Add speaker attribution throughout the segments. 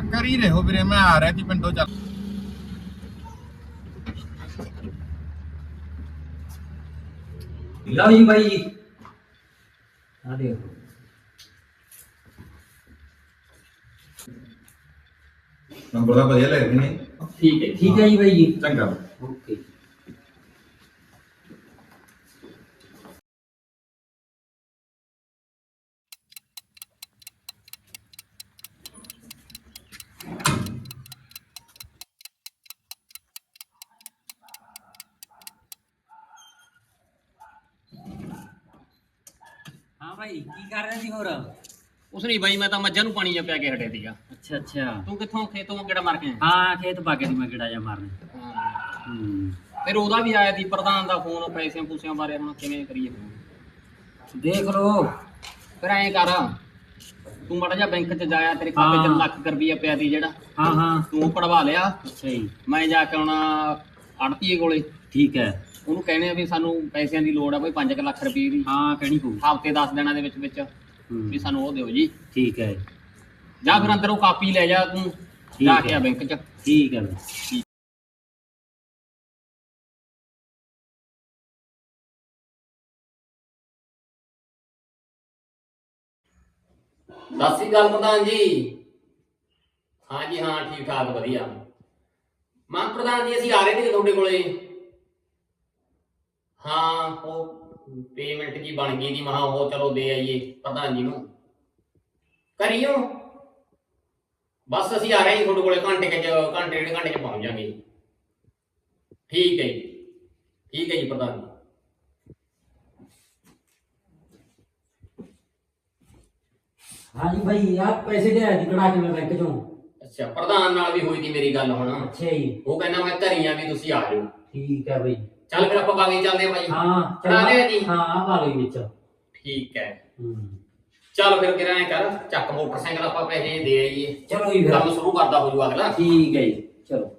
Speaker 1: ਕਰ ਹੀ ਰਹੇ ਹੋ ਵੀਰੇ, ਮੈਂ ਆ ਰਿਹਾ ਸੀ ਪਿੰਡੋਂ। ਚੱਲ
Speaker 2: ਲਓ ਜੀ ਬਾਈ ਜੀ, ਆ ਦੇਖੋ
Speaker 1: ਨੰਬਰ ਦਾ ਵਧੀਆ ਲੱਗ ਰਹੇ ਨੇ।
Speaker 2: ਠੀਕ ਹੈ ਜੀ ਬਾਈ ਜੀ।
Speaker 1: ਚੰਗਾ
Speaker 2: ਓਕੇ। ਹਾਂ ਭਾਈ, ਕੀ ਕਰ ਰਹੇ ਸੀ ਹੋਰ?
Speaker 3: ਉਸ ਨਹੀਂ ਬਾਈ, ਮੈਂ ਤਾਂ ਮੱਝਾਂ ਨੂੰ ਪਾਣੀ ਜਿਹਾ ਪਿਆ ਕੇ ਹਟਿਆ ਸੀਗਾ।
Speaker 2: ਅੱਛਾ ਅੱਛਾ।
Speaker 3: ਤੂੰ ਕਿੱਥੋਂ ਖੇਤੋਂ ਕਿਹੜਾ ਮਾਰ ਕੇ ਆਇਆ?
Speaker 2: ਹਾਂ, ਖੇਤ ਬਾਗੇ ਦੀ ਮੈਂ ਕਿਹੜਾ ਜਾ ਮਾਰਨ।
Speaker 3: ਫਿਰ ਉਹਦਾ ਵੀ ਆਇਆ ਸੀ ਪ੍ਰਧਾਨ ਦਾ ਫੋਨ, ਪੈਸਿਆਂ ਪੂਸਿਆਂ ਬਾਰੇ ਹੁਣ ਕਿਵੇਂ ਕਰੀਏ?
Speaker 2: ਦੇਖ ਲੋ।
Speaker 3: ਫਿਰ ਐਂ ਕਰ, ਤੂੰ ਮਾੜਾ ਜਿਹਾ ਬੈਂਕ 'ਚ ਜਾਇਆ, ਤੇਰੇ ਖਾਤੇ 'ਚ ਲੱਖ ਰੁਪਈਆ ਪਿਆ ਸੀ ਜਿਹੜਾ।
Speaker 2: ਹਾਂ ਹਾਂ।
Speaker 3: ਤੂੰ ਉਹ ਕਢਵਾ ਲਿਆ।
Speaker 2: ਅੱਛਾ ਜੀ।
Speaker 3: ਮੈਂ ਜਾ ਕੇ ਆਉਣਾ ਆੜਤੀਏ ਕੋਲੇ।
Speaker 2: ਠੀਕ ਹੈ।
Speaker 3: ਉਹਨੂੰ ਕਹਿੰਦੇ ਆ ਵੀ ਸਾਨੂੰ ਪੈਸਿਆਂ ਦੀ ਲੋੜ ਆ ਕੋਈ 5 ਲੱਖ ਰੁਪਏ ਦੀ।
Speaker 2: ਹਾਂ, ਕਹਿਣੀ ਪਊ।
Speaker 3: ਹਫ਼ਤੇ 10 ਦਿਨਾਂ ਦੇ ਵਿੱਚ ਵਿੱਚ ਵੀ ਸਾਨੂੰ ਉਹ ਦਿਓ ਜੀ।
Speaker 2: ਠੀਕ ਹੈ।
Speaker 3: ਜਾਂ ਫਿਰ ਅੰਦਰ ਉਹ ਕਾਪੀ ਲੈ ਜਾ ਤੂੰ, ਜਾ ਕੇ ਆ ਬੈਂਕ 'ਚ।
Speaker 2: ਠੀਕ ਹੈ।
Speaker 3: ਸਤਿ ਸ਼੍ਰੀ ਅਕਾਲ ਪ੍ਰਧਾਨ ਜੀ। ਹਾਂ ਜੀ ਹਾਂ, ਠੀਕ ਠਾਕ ਵਧੀਆ। ਮਾਨ ਪ੍ਰਧਾਨ ਜੀ, ਅਸੀਂ ਆ ਰਹੇ ਸੀ ਤੁਹਾਡੇ ਕੋਲੇ। ਹਾਂ, ਉਹ ਪੇਮੈਂਟ ਕੀ ਬਣ ਗਈ ਦੀ, ਮਹਾ ਉਹ ਚਲੋ ਦੇ ਆਈਏ ਪ੍ਰਧਾਨ ਜੀ ਨੂੰ। ਕਰੀਓ ਬਸ, ਅਸੀਂ ਆ ਰਹੇ ਹਾਂ ਤੁਹਾਡੇ ਕੋਲੇ ਘੰਟੇ ਡੇਢ ਘੰਟੇ 'ਚ ਪਹੁੰਚ ਜਾਵਾਂਗੇ। ਠੀਕ ਹੈ ਜੀ, ਠੀਕ ਹੈ ਜੀ ਪ੍ਰਧਾਨ ਜੀ।
Speaker 2: ਹਾਂ ਜੀ ਭਾਈ, ਆਪ ਪੈਸੇ ਲਿਆ ਜੀ ਕਢਾ ਕੇ ਮੈਂ ਬੈਂਕ ਚੋਂ।
Speaker 3: ਅੱਛਾ, ਪ੍ਰਧਾਨ ਨਾਲ ਵੀ ਹੋਈ ਸੀ ਮੇਰੀ ਗੱਲ ਹੁਣ।
Speaker 2: ਅੱਛਾ ਜੀ।
Speaker 3: ਉਹ ਕਹਿੰਦਾ ਮੈਂ ਘਰੀ ਆ ਵੀ ਤੁਸੀਂ ਆ ਜਾਓ।
Speaker 2: ਠੀਕ ਹੈ ਭਾਈ।
Speaker 3: ਚੱਲ ਫਿਰ ਆਪਾਂ ਬਾਗੀ ਚੱਲਦੇ ਆ ਭਾਈ।
Speaker 2: ਹਾਂ
Speaker 3: ਕਰਾ ਲਿਆ ਜੀ?
Speaker 2: ਹਾਂ, ਪਾ ਲਓ ਵਿੱਚ।
Speaker 3: ਠੀਕ ਹੈ। ਚੱਲ ਫਿਰ ਕਿਰਾਂ ਕਰ, ਚੱਕ ਮੋਟਰਸਾਈਕਲ ਆਪਾਂ ਪੈਸੇ ਦੇ ਆਈਏ।
Speaker 2: ਚਲੋ ਜੀ, ਫਿਰ
Speaker 3: ਕੰਮ ਸ਼ੁਰੂ ਕਰਦਾ ਹੋ ਜੂ ਅਗਲਾ।
Speaker 2: ਠੀਕ ਹੈ ਜੀ, ਚਲੋ।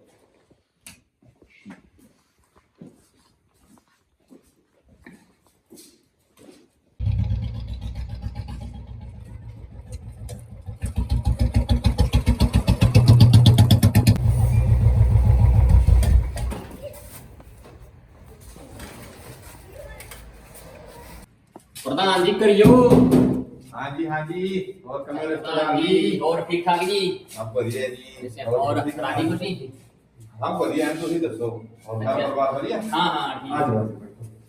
Speaker 3: ਪ੍ਰਧਾਨ ਜੀ ਕਰਿਓ।
Speaker 1: ਹਾਂਜੀ ਹਾਂਜੀ, ਹੋਰ ਕਿਵੇਂ
Speaker 3: ਪ੍ਰਧਾਨ ਜੀ, ਹੋਰ ਠੀਕ ਠਾਕ ਜੀ?
Speaker 1: ਸਭ ਵਧੀਆ ਜੀ।
Speaker 3: ਹੋਰ ਰਾਜੀ ਖੁਸ਼ੀ?
Speaker 1: ਸਭ ਵਧੀਆ ਹੈ, ਤੁਸੀਂ ਦੱਸੋ? ਹੋਰ ਘਰ ਪਰਿਵਾਰ ਵਧੀਆ?
Speaker 3: ਹਾਂ ਹਾਂ ਠੀਕ
Speaker 1: ਆ ਜਾਓ ਬੈਠੋ।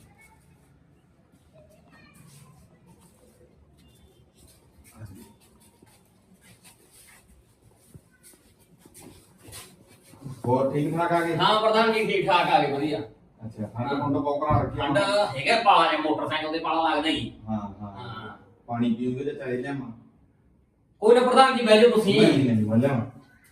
Speaker 1: ਹੋਰ ਠੀਕ ਠਾਕ ਆ ਗਏ?
Speaker 3: ਹਾਂ ਪ੍ਰਧਾਨ ਜੀ, ਠੀਕ ਠਾਕ ਆ ਗਏ ਵਧੀਆ।
Speaker 1: ਅੱਛਾ, ਠੰਡ ਠੰਡ ਪੌਕਰਾ ਰੱਖਿਆ?
Speaker 3: ਠੰਡ ਹੈਗਾ, ਪਾਲਾ ਜਿਹਾ ਮੋਟਰਸਾਈਕਲ ਤੇ ਪਾਲਾ ਲੱਗਦਾ ਜੀ।
Speaker 1: ਹਾਂ ਹਾਂ। ਪਾਣੀ ਪੀਓਗੇ ਤੇ ਚਾਹੇ ਲਿਆਵਾਂ?
Speaker 3: ਕੋਈ ਨਾ ਪ੍ਰਧਾਨ ਜੀ, ਬਹਿ ਜਾਓ ਤੁਸੀਂ।
Speaker 1: ਨਹੀਂ ਲਿਆਵਾਂ।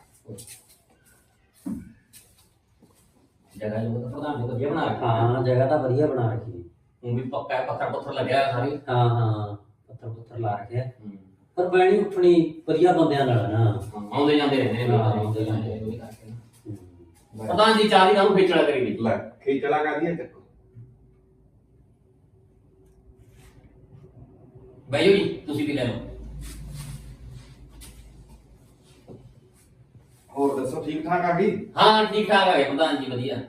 Speaker 3: ਜਗ੍ਹਾ ਜੋ ਤਾਂ ਪ੍ਰਧਾਨ ਜੀ ਵਧੀਆ ਬਣਾ ਰੱਖੀ।
Speaker 2: ਹਾਂ, ਜਗ੍ਹਾ ਤਾਂ ਵਧੀਆ ਬਣਾ ਰੱਖੀ।
Speaker 3: ਉਹ ਵੀ ਪੱਕਾ ਪੱਥਰ ਪੱਥਰ ਲੱਗਿਆ ਹੋਇਆ ਸਾਰੇ।
Speaker 2: ਹਾਂ ਹਾਂ, ਪੱਥਰ ਪੁੱਥਰ ਲਾ ਰੱਖਿਆ। ਪਰ ਬੈਣੀ ਉੱਠਣੀ ਵਧੀਆ ਬੰਦਿਆਂ ਨਾਲ ਨਾ।
Speaker 3: ਆਉਂਦੇ ਜਾਂਦੇ ਰਹਿੰਦੇ ਨੇ।
Speaker 2: ਆਉਂਦੇ ਜਾਂਦੇ ਨੇ।
Speaker 3: ਪ੍ਰਧਾਨ ਜੀ, ਚਾਹ ਦੀ ਨਾਲ ਖੇਚਲਾ ਕਰੀ ਦੀ।
Speaker 1: ਲੈ ਖੇਚਲਾ ਕਰਦੀ ਹੈ, ਚੱਕੋ।
Speaker 3: ਬਹਿ ਜਾਓ ਜੀ, ਤੁਸੀਂ ਵੀ ਲੈ ਲਓ।
Speaker 1: ਹੋਰ ਦੱਸੋ, ਠੀਕ ਠਾਕ ਆ ਗਈ?
Speaker 3: ਹਾਂ ਠੀਕ ਠਾਕ ਆ ਗਏ ਪ੍ਰਧਾਨ ਜੀ, ਵਧੀਆ।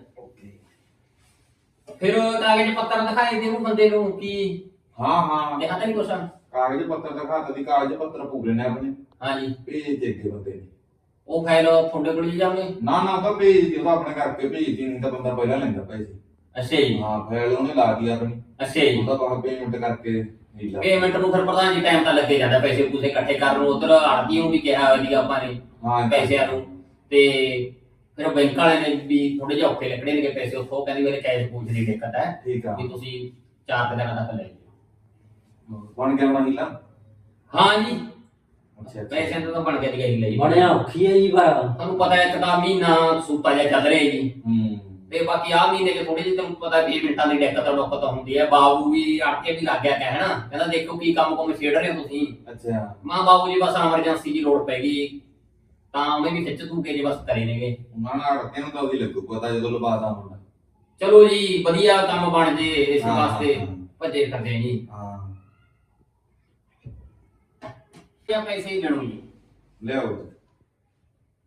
Speaker 3: ਫਿਰ ਕਾਗਜ਼ ਪੱਤਰ ਦਿਖਾਏ ਦੇ ਉਹ ਬੰਦੇ ਨੂੰ ਕੀ?
Speaker 1: ਹਾਂ ਹਾਂ,
Speaker 3: ਦੇਖਾ ਤਾਂ ਨਹੀਂ ਕੁਛ?
Speaker 1: ਕਾਗਜ਼ ਪੱਤਰ ਦਿਖਾਤਾ ਦੀ, ਕਾਗਜ਼ ਪੱਤਰ ਪੂਰੇ ਨੇ ਆਪਣੇ।
Speaker 3: ਹਾਂ ਜੀ।
Speaker 1: ਭੇਜ ਦੇ ਅੱਗੇ ਬੰਦੇ ਨੇ।
Speaker 3: ਉਹ ਫਾਈਲ ਤੁਹਾਡੇ ਕੋਲ ਹੀ ਜਾਵੇ?
Speaker 1: ਨਾ ਨਾ, ਤਾਂ ਭੇਜ ਦੀ, ਉਹਦਾ ਆਪਣੇ ਕਰਕੇ ਭੇਜਦੀ, ਨਹੀਂ ਤਾਂ ਬੰਦਾ ਪਹਿਲਾਂ ਲੈਂਦਾ ਪੈਸੇ।
Speaker 3: ਅੱਛਾ ਜੀ।
Speaker 1: ਹਾਂ, ਫਾਈਲ ਉਹਨੇ ਲਾ ਦਿੱਤੀ ਆਪਣੀ।
Speaker 3: ਅੱਛਾ ਜੀ।
Speaker 1: ਉਹਦਾ ਬਾਅਦ ਪੇਮੈਂਟ ਕਰਕੇ
Speaker 3: ਪੇਮੈਂਟ ਨੂੰ ਫਿਰ ਪ੍ਰਧਾਨ ਜੀ ਟਾਈਮ ਤਾਂ ਲੱਗੇ ਜਾਂਦਾ, ਪੈਸੇ ਪੂਸੇ ਇਕੱਠੇ ਕਰਨ ਨੂੰ। ਉਧਰ ਆੜਤੀ ਨੂੰ ਵੀ ਕਿਹਾ ਹੋਇਆ ਸੀ ਆਪਾਂ ਨੇ ਪੈਸਿਆਂ ਨੂੰ, ਤੇ ਫਿਰ ਬੈਂਕ ਵਾਲਿਆਂ ਨੇ ਵੀ ਥੋੜੇ ਜਿਹੇ ਔਖੇ ਲੱਗਣੇ ਨੇ ਪੈਸੇ ਉੱਥੋਂ। ਕਹਿੰਦੇ ਮੇਰੇ ਕੈਸ਼ ਪੂਛ ਦੀ ਦਿੱਕਤ ਹੈ।
Speaker 1: ਠੀਕ ਆ,
Speaker 3: ਵੀ ਤੁਸੀਂ 4 ਦਿਨਾਂ ਤੱਕ ਲੈ ਜਾਓ।
Speaker 1: ਬਣ ਗਿਆ ਬਣਾ ਹੀਲਾ?
Speaker 3: ਹਾਂ ਜੀ,
Speaker 1: ਅੱਛਾ
Speaker 3: ਪੈਸਿਆਂ ਤੋਂ ਤਾਂ ਬਣ ਗਿਆ ਜੀ ਲਈ।
Speaker 2: ਬਣਿਆ ਔਖੀ ਹੈ ਜੀ, ਪਰ
Speaker 3: ਤੁਹਾਨੂੰ ਪਤਾ ਇੱਕ ਤਾਂ ਮਹੀਨਾ ਸੂਤਾ ਜਿਹਾ ਚੱਲ ਰਿਹਾ ਜੀ। ਤੇ ਬਾਕੀ ਆਹ ਮਹੀਨੇ ਚ ਥੋੜੀ ਜਿਹੀ ਤੁਹਾਨੂੰ ਪਤਾ ਪੇਮੈਂਟਾਂ ਦੀ ਦਿੱਕਤ ਹੁੰਦੀ ਹੈ। ਬਾਬੂ ਵੀ ਅੜ ਕੇ ਵੀ ਲੱਗ ਗਿਆ ਕਹਿਣਾ, ਕਹਿੰਦਾ ਦੇਖੋ ਕੀ ਕੰਮ ਕੁਮ ਛੇੜ ਰਹੇ ਹੋ ਤੁਸੀਂ।
Speaker 1: ਅੱਛਾ।
Speaker 3: ਮਾਂ ਬਾਬੂ ਜੀ ਬਸ ਐਮਰਜੈਂਸੀ ਦੀ ਲੋੜ ਪੈ ਗਈ ਤਾਂ ਉਹਨੇ ਵੀ ਖਿੱਚ ਤੂ ਕੇ ਜੀ ਬਸ ਕਰੇ ਨੇਗੇ।
Speaker 1: ਉਹਨਾਂ ਨਾਲ ਅੜਕੇ ਨੂੰ ਤਾਂ ਉਹਦੀ ਲੱਗੂ ਪਤਾ ਜਦੋਂ ਲਵਾਦਾ ਮੁੰਡਾ।
Speaker 3: ਚਲੋ ਜੀ, ਵਧੀਆ ਕੰਮ ਬਣ ਜੇ ਇਸ
Speaker 1: ਹਾਂ,
Speaker 3: ਵਾਸਤੇ
Speaker 1: ਹਾਂ।
Speaker 3: ਭੱਜੇ ਫਿਰਦੇ ਜੀ।
Speaker 1: ਹਾਂ,
Speaker 3: ਕਿਆ ਪੈਸੇ ਹੀ ਲੈਣੋ ਜੀ।
Speaker 1: ਲਿਆਓ।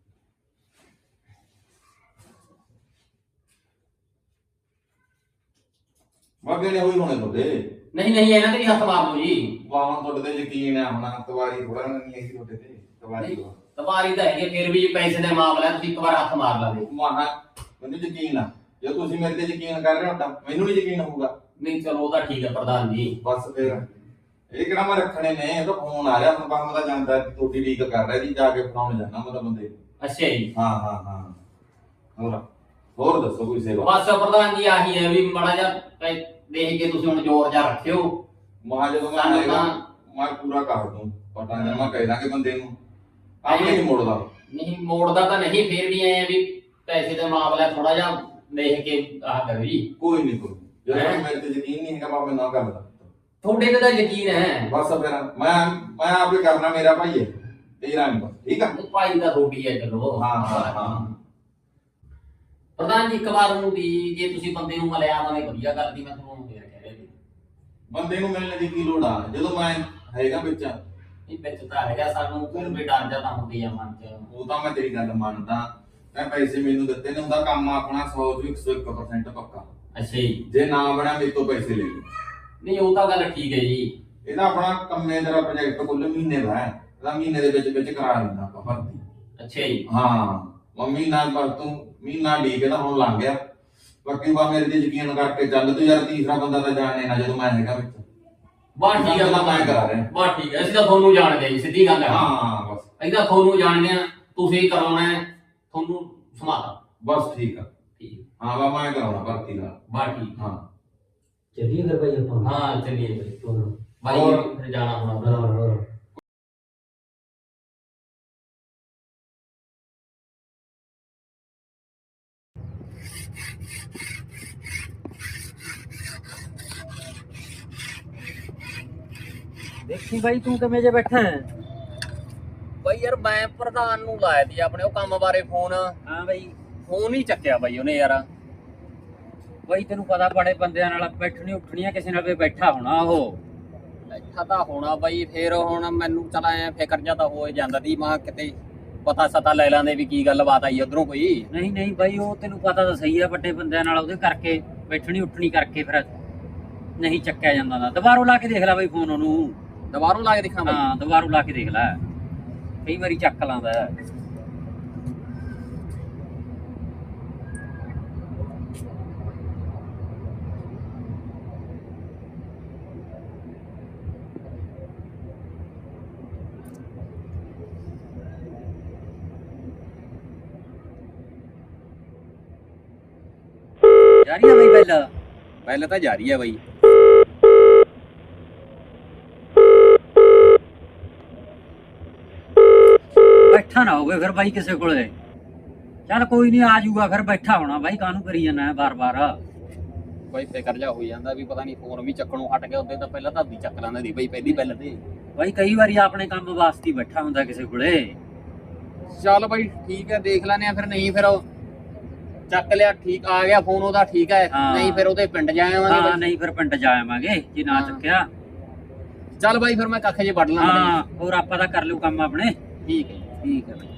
Speaker 1: ਬਾਕੀ ਨੇ ਹੋਈ ਹੋਣੇ ਤੁਹਾਡੇ
Speaker 3: ਨਹੀਂ ਨਹੀਂ ਇਹਨਾਂ ਦੇ ਵੀ ਹੱਥ ਮਾਰ ਲਓ ਜੀ।
Speaker 1: ਵਾਹਨ ਤੁਹਾਡੇ ਤੇ ਯਕੀਨ ਹੈ ਹੁਣ ਤਵਾਰੀ ਥੋੜਾ ਨਹੀਂ ਹੈਗੀ ਤੁਹਾਡੇ ਤੇ ਤਵਾਰੀ
Speaker 3: ਤਵਾਰੀ ਤਾਂ ਹੈਗੀ ਫਿਰ ਵੀ ਪੈਸੇ ਦੇ ਮਾਮਲੇ ਤੁਸੀਂ ਇੱਕ ਵਾਰ ਹੱਥ ਮਾਰ ਲਾਵੇ।
Speaker 1: ਮਾਨਾ ਮੈਨੂੰ ਯਕੀਨ ਆ ਜੇ ਤੁਸੀਂ ਮੇਰੇ ਤੇ ਯਕੀਨ ਕਰ ਰਹੇ ਹੋ ਤਾਂ ਮੈਨੂੰ ਵੀ ਯਕੀਨ ਹੋਊਗਾ।
Speaker 3: ਨਹੀਂ ਚਲੋ ਉਹ ਤਾਂ ਠੀਕ ਹੈ ਪ੍ਰਧਾਨ ਜੀ।
Speaker 1: ਬਸ ਫਿਰ ਇਹ ਕਿਹੜਾ ਮੈਂ ਰੱਖਣੇ ਨੇ ਇਹ ਤਾਂ ਫੋਨ ਆ ਰਿਹਾ ਹੁਣ ਕੰਮ ਦਾ ਜਾਂਦਾ ਤੁਹਾਡੀ ਲੀਕ ਕਰ ਰਿਹਾ ਜੀ ਜਾ ਕੇ ਫੜਾਉਣ ਜਾਣਾ ਮੈਂ ਤਾਂ ਬੰਦੇ
Speaker 3: ਅੱਛਾ ਜੀ।
Speaker 1: ਹਾਂ ਹੋਰ ਦੱਸੋ ਕੋਈ ਸੇਵਾ
Speaker 3: ਬਸ ਪ੍ਰਧਾਨ ਜੀ ਆਹੀ ਹੈ ਵੀ ਮਾੜਾ ਜਿਹਾ ਦੇਖ ਕੇ ਤੁਸੀਂ ਹੁਣ ਜ਼ੋਰ ਜਾ ਰੱਖਿਓ।
Speaker 1: ਮਾ ਜਦੋਂ ਮੈਂ
Speaker 3: ਸਾਨੂੰ
Speaker 1: ਆਏਗਾ
Speaker 3: ਤਾਂ
Speaker 1: ਮੈਂ ਪੂਰਾ ਕਰ ਦੂੰ ਪਤਾ ਨਹੀਂ ਮੈਂ ਕਹਿ ਦਾਂਗੇ ਬੰਦੇ ਨੂੰ ਆਪਣੇ ਨਹੀਂ ਮੋੜਦਾ
Speaker 3: ਨਹੀਂ ਮੋੜਦਾ ਤਾਂ ਨਹੀਂ ਫਿਰ ਵੀ ਐ ਵੀ ਪੈਸੇ ਦਾ ਮਾਮਲਾ ਥੋੜਾ ਜਿਹਾ ਦੇਖ ਕੇ ਆਹ ਕਰੋ ਜੀ।
Speaker 1: ਕੋਈ ਨਹੀਂ ਜਦੋਂ ਮੇਰੇ ਤੇ ਯਕੀਨ ਨਹੀਂ ਹੈਗਾ ਬਾਬੇ ਨਾ ਕਰਦਾ
Speaker 3: ਤੁਹਾਡੇ ਤੇ ਤਾਂ ਯਕੀਨ ਹੈ।
Speaker 1: ਬਸ ਫਿਰ ਮੈਂ ਆਪੇ ਕਰਨਾ ਮੇਰਾ ਭਾਈ ਹੈ ਤੇਰਾ ਨਹੀਂ ਬਸ ਠੀਕ ਆ
Speaker 3: ਭਾਈ ਦਾ ਰੋਟੀ ਹੈ ਚਲੋ।
Speaker 1: ਹਾਂ
Speaker 3: ਪ੍ਰਧਾਨ ਜੀ ਇੱਕ ਵਾਰ ਨੂੰ ਵੀ ਜੇ ਤੁਸੀਂ ਬੰਦੇ ਨੂੰ ਮਿਲਿਆ ਤਾਂ ਵਧੀਆ ਗੱਲ ਦੀ ਮੈਂ ਤੁਹਾਨੂੰ ਕਹਿ ਰਿਹਾ ਜੀ।
Speaker 1: ਬੰਦੇ ਨੂੰ ਮਿਲਣ ਦੀ ਕੀ ਲੋੜ ਆ ਜਦੋਂ ਮੈਂ ਹੈਗਾ ਵਿੱਚ
Speaker 3: ਇਹ ਵਿੱਚ ਤਾਂ ਹੈਗਾ ਸਾਨੂੰ ਫਿਰ ਵੀ ਡਰ ਜਾ ਤਾਂ ਹੁੰਦੀ ਆ ਮਨ ਚ।
Speaker 1: ਉਹ ਤਾਂ ਮੈਂ ਤੇਰੀ ਗੱਲ ਮੰਨਦਾ ਮੈਂ ਪੈਸੇ ਮੈਨੂੰ ਦਿੱਤੇ ਨੇ ਉਹਦਾ ਕੰਮ ਆਪਣਾ 100 ਤੋਂ 101% ਪੱਕਾ।
Speaker 3: ਅੱਛਾ ਜੀ।
Speaker 1: ਜੇ ਨਾ ਬਣਿਆ ਮੇਰੇ ਤੋਂ ਪੈਸੇ ਲੈ ਲਓ।
Speaker 3: ਨਹੀਂ ਉਹ ਤਾਂ ਗੱਲ ਠੀਕ ਹੈ ਜੀ।
Speaker 1: ਇਹਦਾ ਆਪਣਾ ਕੰਮੇ ਦਾ ਪ੍ਰੋਜੈਕਟ ਕੁੱਲ ਮਹੀਨੇ ਦਾ ਹੈ ਇਹਦਾ ਮਹੀਨੇ ਦੇ ਵਿੱਚ ਕਰਾ ਲੈਂਦਾ ਆਪਾਂ ਭਰਤੀ।
Speaker 3: ਅੱਛਾ ਜੀ।
Speaker 1: ਹਾਂ ਮੰਮੀ ਨਾਲ ਪਰ ਤੂੰ ਮਹੀਨਾ ਲੀਕ ਇਹਦਾ ਹੁਣ ਲੰਘ ਗਿਆ ਬਾਕੀ ਬਾ ਮੇਰੇ ਤੇ ਯਕੀਨ ਕਰਕੇ ਚੱਲ ਤੂੰ ਯਾਰ ਤੀਸਰਾ ਬੰਦਾ ਤਾਂ ਜਾਣੇ ਨਾ ਜਦੋਂ ਮੈਂ ਹੈਗਾ ਵਿੱਚ
Speaker 3: ਬਾਤ ਠੀਕ ਹੈ
Speaker 1: ਮੈਂ ਕਰਾ ਰਿਹਾ।
Speaker 3: ਬਾਤ ਠੀਕ ਹੈ ਅਸੀਂ ਤਾਂ ਤੁਹਾਨੂੰ ਜਾਣਦੇ ਜੀ ਸਿੱਧੀ ਗੱਲ ਹੈ।
Speaker 1: ਹਾਂ ਬਸ
Speaker 3: ਅਸੀਂ ਤਾਂ ਤੁਹਾਨੂੰ ਜਾਣਦੇ ਆ ਤੁਸੀਂ ਕਰਾਉਣਾ ਹੈ ਤੁਹਾਨੂੰ ਸਮਾਤਾ।
Speaker 1: ਬਸ ਠੀਕ ਆ
Speaker 3: ਠੀਕ
Speaker 1: ਹਾਂ ਬਾ ਮੈਂ ਕਰਾਉਣਾ ਭਰਤੀ ਦਾ
Speaker 3: ਬਾਤ ਠੀਕ।
Speaker 1: ਹਾਂ
Speaker 2: ਚੱਲੀਏ ਫਿਰ ਭਾਈ ਆਪਾਂ।
Speaker 3: ਹਾਂ ਚੱਲੀਏ
Speaker 2: ਹੋਰ
Speaker 3: ਭਾਈ ਫਿਰ ਜਾਣਾ ਹੋਣਾ।
Speaker 2: ਦੇਖੀ ਬਾਈ ਤੂੰ ਕਿਵੇਂ ਜੇ ਬੈਠਾ ਹੈ?
Speaker 3: ਬਾਈ ਯਾਰ ਮੈਂ ਪ੍ਰਧਾਨ ਨੂੰ ਲਾਇਆ ਸੀ ਆਪਣੇ ਉਹ ਕੰਮ ਬਾਰੇ ਫੋਨ।
Speaker 2: ਹਾਂ ਬਾਈ
Speaker 3: ਫੋਨ ਹੀ ਚੱਕਿਆ ਬਾਈ ਉਹਨੇ ਯਾਰ।
Speaker 2: ਬਾਈ ਤੈਨੂੰ ਪਤਾ ਬੜੇ ਬੰਦਿਆਂ ਨਾਲ ਬੈਠਣੀ ਉੱਠਣੀਆਂ ਕਿਸੇ ਨਾਲ ਵੀ ਬੈਠਾ ਹੋਣਾ ਉਹ।
Speaker 3: ਬੈਠਾ ਤਾਂ ਹੋਣਾ ਬਾਈ ਫਿਰ ਹੁਣ ਮੈਨੂੰ ਚਲ ਐ ਫਿਕਰ ਜਾ ਤਾਂ ਹੋ ਜਾਂਦਾ ਦੀ ਮਾਂ ਕਿਤੇ ਪਤਾ ਸਤਾ ਲੈ ਲਾਂਦੇ ਵੀ ਕੀ ਗੱਲਬਾਤ ਆਈ ਉਧਰੋਂ ਕੋਈ।
Speaker 2: ਨਹੀਂ ਬਾਈ ਉਹ ਤੈਨੂੰ ਪਤਾ ਤਾਂ ਸਹੀ ਆ ਵੱਡੇ ਬੰਦਿਆਂ ਨਾਲ ਉਹਦੇ ਕਰਕੇ ਬੈਠਣੀ ਉੱਠਣੀ ਕਰਕੇ ਫਿਰ ਨਹੀਂ ਚੱਕਿਆ ਜਾਂਦਾ ਦਾ। ਦੁਬਾਰੋਂ ਲਾ ਕੇ ਦੇਖ ਲੈ ਬਾਈ ਫੋਨ ਉਹਨੂੰ।
Speaker 3: ਦੁਬਾਰੋਂ ਲਾ ਕੇ ਦੇਖਾਂ ਬਾਈ?
Speaker 2: ਹਾਂ ਦੁਬਾਰੋਂ ਲਾ ਕੇ ਦੇਖ ਲੈ ਕਈ ਵਾਰੀ ਚੱਕ ਲਾਂਦਾ। ਜਾਰੀ ਆ ਬਾਈ
Speaker 3: ਪਹਿਲਾਂ ਤਾਂ ਜਾਰੀ ਆ ਬਾਈ।
Speaker 2: ਬੈਠਾ ਨਾ ਹੋਵੇ ਫਿਰ ਬਾਈ ਕਿਸੇ ਕੋਲੇ। ਚੱਲ ਕੋਈ ਨਹੀਂ ਆ ਜਾਊਗਾ ਫਿਰ ਬੈਠਾ ਹੋਣਾ ਬਾਈ ਕਾਹਨੂੰ ਕਰੀ ਜਾਂਦਾ ਬਾਰ-ਬਾਰ।
Speaker 3: ਬਾਈ ਫਿਕਰ ਜਾ ਹੋ ਜਾਂਦਾ ਵੀ ਪਤਾ ਨਹੀਂ ਫੋਨ ਵੀ ਚੱਕਣੋਂ ਹਟ ਗਿਆ। ਉਹਦੇ ਤਾਂ ਪਹਿਲਾਂ ਤਾਂ ਚੱਕ ਲੈਂਦਾ ਸੀ ਬਾਈ ਪਹਿਲੀ ਪਹਿਲਾਂ ਤੇ।
Speaker 2: ਬਾਈ ਕਈ ਵਾਰੀ ਆਪਣੇ ਕੰਮ ਵਾਸਤੇ ਹੀ ਬੈਠਾ ਹੁੰਦਾ ਕਿਸੇ ਕੋਲੇ।
Speaker 3: ਚੱਲ ਬਾਈ ਠੀਕ ਹੈ ਦੇਖ ਲੈਨੇ ਆ ਫਿਰ। ਨਹੀਂ ਫਿਰ ਉਹ ਚੱਕ ਲਿਆ ਠੀਕ ਆ ਗਿਆ ਫੋਨ ਉਹਦਾ ਠੀਕ ਹੈ। ਨਹੀਂ ਫਿਰ ਉਹਦੇ ਪਿੰਡ ਜਾ ਆਵਾਂਗੇ।
Speaker 2: ਹਾਂ ਨਹੀਂ ਫਿਰ ਪਿੰਡ ਜਾ ਆਵਾਂਗੇ ਜੇ ਨਾ ਚੱਕਿਆ।
Speaker 3: ਚੱਲ ਬਾਈ ਫਿਰ ਮੈਂ ਕੱਖ ਜੇ ਵੱਢ ਲਾਂ।
Speaker 2: ਹਾਂ ਹੋਰ ਆਪਾਂ ਤਾਂ ਕਰ ਲਿਓ ਕੰਮ ਆਪਣੇ।
Speaker 3: ਠੀਕ ਹੈ
Speaker 2: ਠੀਕ ਹੈ ਬਾਈ।